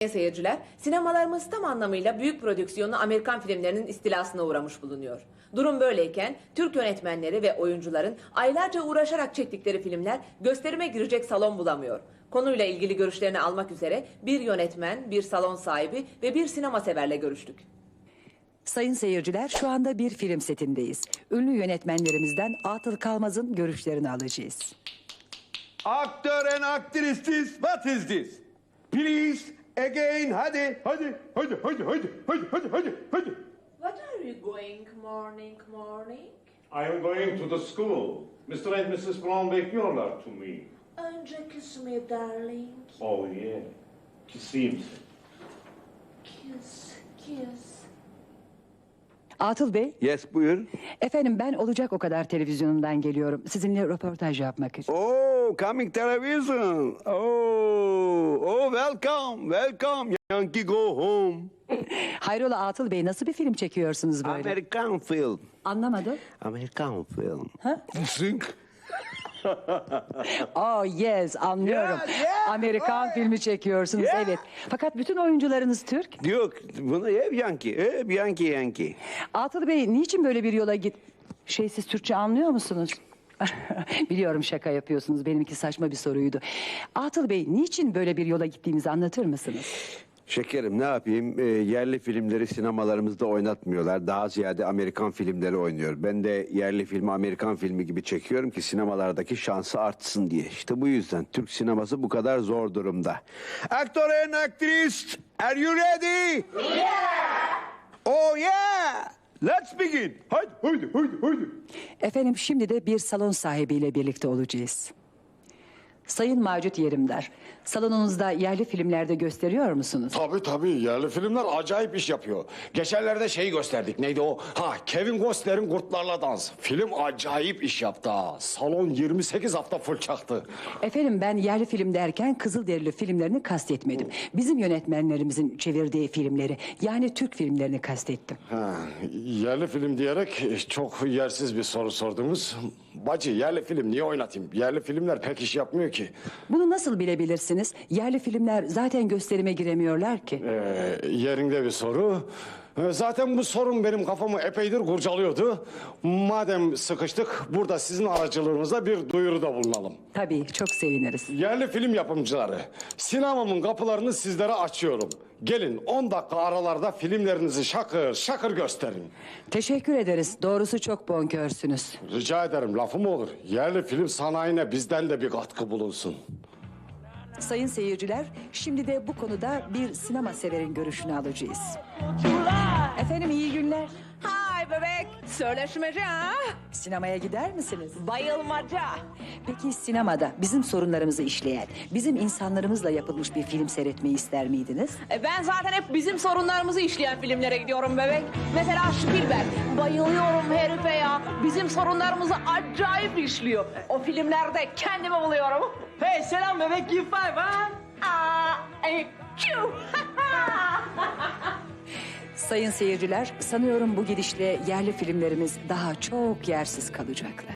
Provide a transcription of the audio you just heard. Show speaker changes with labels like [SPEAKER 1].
[SPEAKER 1] Seyirciler, sinemalarımız tam anlamıyla büyük prodüksiyonlu Amerikan filmlerinin istilasına uğramış bulunuyor. Durum böyleyken Türk yönetmenleri ve oyuncuların aylarca uğraşarak çektikleri filmler gösterime girecek salon bulamıyor. Konuyla ilgili görüşlerini almak üzere bir yönetmen, bir salon sahibi ve bir sinema severle görüştük.
[SPEAKER 2] Sayın seyirciler, şu anda bir film setindeyiz. Ünlü yönetmenlerimizden Atıl Kalmaz'ın görüşlerini alacağız.
[SPEAKER 3] Actor and actresses, what is this? Please, again, hadi.
[SPEAKER 1] What are you going morning?
[SPEAKER 4] I am going to the school. Mr. and Mrs. Brown bekliyorlar to me.
[SPEAKER 1] Önce kiss me darling.
[SPEAKER 4] Oh yeah. Kisseyim seni.
[SPEAKER 1] Kiss.
[SPEAKER 2] Atıl Bey,
[SPEAKER 3] Yes, buyur.
[SPEAKER 2] efendim ben Olacak O Kadar televizyonundan geliyorum. Sizinle röportaj yapmak için.
[SPEAKER 3] Oh, coming television. Oh, welcome. Yankee go home.
[SPEAKER 2] Hayrola Atıl Bey, nasıl bir film çekiyorsunuz böyle?
[SPEAKER 3] American film.
[SPEAKER 2] Anlamadım.
[SPEAKER 3] American film.
[SPEAKER 2] Ha?
[SPEAKER 3] Think.
[SPEAKER 2] Oh yes, anlıyorum.
[SPEAKER 3] Yeah,
[SPEAKER 2] Amerikan
[SPEAKER 3] oh,
[SPEAKER 2] filmi çekiyorsunuz,
[SPEAKER 3] yeah.
[SPEAKER 2] evet. Fakat bütün oyuncularınız Türk.
[SPEAKER 3] Yok, bunu hep Yankee.
[SPEAKER 2] Atıl Bey, niçin böyle bir yola git... Siz Türkçe anlıyor musunuz? Biliyorum şaka yapıyorsunuz, benimki saçma bir soruydu. Atıl Bey, niçin böyle bir yola gittiğimizi anlatır mısınız?
[SPEAKER 3] Şekerim, ne yapayım? Yerli filmleri sinemalarımızda oynatmıyorlar. Daha ziyade Amerikan filmleri oynuyor. Ben de yerli filmi Amerikan filmi gibi çekiyorum ki sinemalardaki şansı artsın diye. İşte bu yüzden Türk sineması bu kadar zor durumda. Actor and actress, are you ready? Yeah! Oh yeah! Let's begin. Haydi.
[SPEAKER 2] Efendim, şimdi de bir salon sahibiyle birlikte olacağız. Sayın Macit Yerimdar, salonunuzda yerli filmlerde gösteriyor musunuz?
[SPEAKER 5] Tabii yerli filmler acayip iş yapıyor. Geçenlerde şeyi gösterdik, neydi o? Kevin Costner'in Kurtlarla Dans. Film acayip iş yaptı ha. Salon 28 hafta full çaktı.
[SPEAKER 2] Efendim, ben yerli film derken Kızılderili filmlerini kastetmedim. Bizim yönetmenlerimizin çevirdiği filmleri, yani Türk filmlerini kastettim.
[SPEAKER 5] Yerli film diyerek çok yersiz bir soru sordunuz. Bacı, yerli film niye oynatayım? Yerli filmler pek iş yapmıyor ki.
[SPEAKER 2] Bunu nasıl bilebilirsiniz? Yerli filmler zaten gösterime giremiyorlar ki.
[SPEAKER 5] Yerinde bir soru. Zaten bu sorun benim kafamı epeydir kurcalıyordu. Madem sıkıştık, burada sizin aracılığınızla bir duyuruda bulunalım.
[SPEAKER 2] Tabii, çok seviniriz.
[SPEAKER 5] Yerli film yapımcıları, sinemamın kapılarını sizlere açıyorum. Gelin 10 dakika aralarda filmlerinizi şakır şakır gösterin.
[SPEAKER 2] Teşekkür ederiz. Doğrusu çok bonkörsünüz.
[SPEAKER 5] Rica ederim, lafım olur. Yerli film sanayine bizden de bir katkı bulunsun.
[SPEAKER 2] Sayın seyirciler, şimdi de bu konuda bir sinema severin görüşünü alacağız. Efendim, iyi günler.
[SPEAKER 1] Hay bebek, söyleşmece ha?
[SPEAKER 2] Sinemaya gider misiniz?
[SPEAKER 1] Bayılmaca.
[SPEAKER 2] Peki sinemada bizim sorunlarımızı işleyen, bizim insanlarımızla yapılmış bir film seyretmeyi ister miydiniz?
[SPEAKER 1] Ben zaten hep bizim sorunlarımızı işleyen filmlere gidiyorum bebek. Mesela Spielberg. Bayılıyorum herife ya. Bizim sorunlarımızı acayip işliyor. O filmlerde kendimi buluyorum.
[SPEAKER 6] Hey selam bebek, give five ha?
[SPEAKER 2] Sayın seyirciler, sanıyorum bu gidişle yerli filmlerimiz daha çok yersiz kalacaklar.